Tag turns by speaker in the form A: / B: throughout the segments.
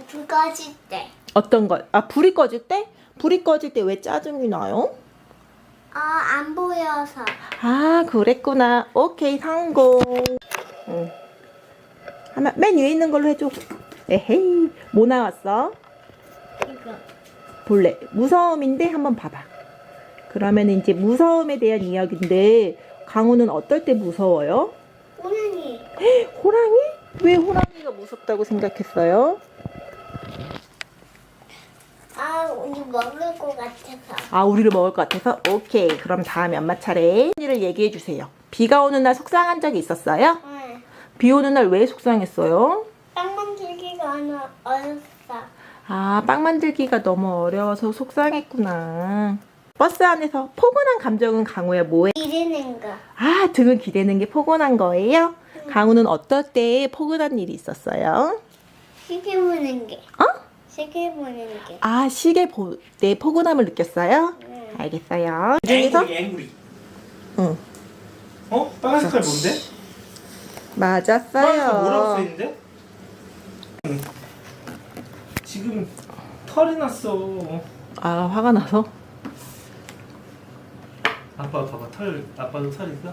A: 불 꺼질 때.
B: 어떤 거? 아, 불이 꺼질 때? 불이 꺼질 때 왜 짜증이 나요?
A: 안 보여서.
B: 아, 그랬구나. 오케이, 성공. 응. 하나, 맨 위에 있는 걸로 해줘. 에헤이, 뭐 나왔어?
A: 이거.
B: 볼래. 무서움인데 한번 봐봐. 그러면 이제 무서움에 대한 이야기인데, 강우는 어떨 때 무서워요?
A: 호랑이.
B: 호랑이? 왜 호랑이가 무섭다고 생각했어요?
A: 우리 먹을 것 같아서.
B: 아, 우리를 먹을 것 같아서? 오케이. 그럼 다음에 엄마 차례. 일을 얘기해 주세요. 비가 오는 날 속상한 적이 있었어요?
A: 응.
B: 비 오는 날 왜 속상했어요?
A: 빵 만들기가 어렵어.
B: 아, 빵 만들기가 너무 어려워서 속상했구나. 버스 안에서 포근한 감정은 강우야 뭐해?
A: 기르는 거.
B: 아, 등을 기대는 게 포근한 거예요? 강우는 어떨 때 포근한 일이 있었어요?
A: 시계 보는 게.
B: 어?
A: 시계 보는 게.
B: 아, 시계 볼 때 포근함을 느꼈어요?
A: 응.
B: 알겠어요. 그 중에서?
C: 앵구리.
B: 응.
C: 어? 빨간 색깔 뭔데? 빨간 색깔 뭐라고
B: 맞았어요.
C: 써있는데? 응. 지금 털이 났어.
B: 아, 화가 나서?
C: 아빠 봐봐 털. 아빠도 털 있어?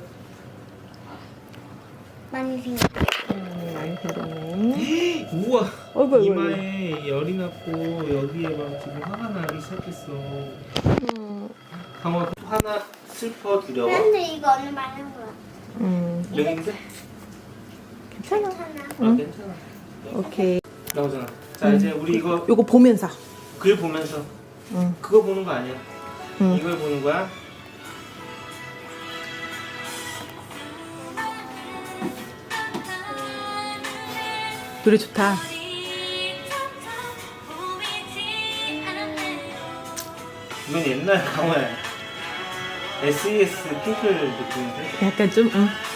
A: 많이 생겼어.
B: 많이 생겼네.
C: 우와.
B: 어이구, 어이구,
C: 이마에 열이 났고 여기에 막 지금 화가 나기 시작했어. 강화 하나 슬퍼 두려워.
A: 그런데 이거 오늘 많은 거야.
C: 여기인데?
B: 괜찮아.
A: 괜찮아.
C: 아 괜찮아.
B: 오케이.
C: 나오잖아. 자 이제 우리 이거
B: 요거 보면서.
C: 글 보면서
B: 응.
C: 그거 보는 거 아니야.
B: 응.
C: 이걸 보는 거야.
B: 노래 좋다.
C: 이건 옛날 강화야. SES 핑클 느낌인데?
B: 약간 좀, 응.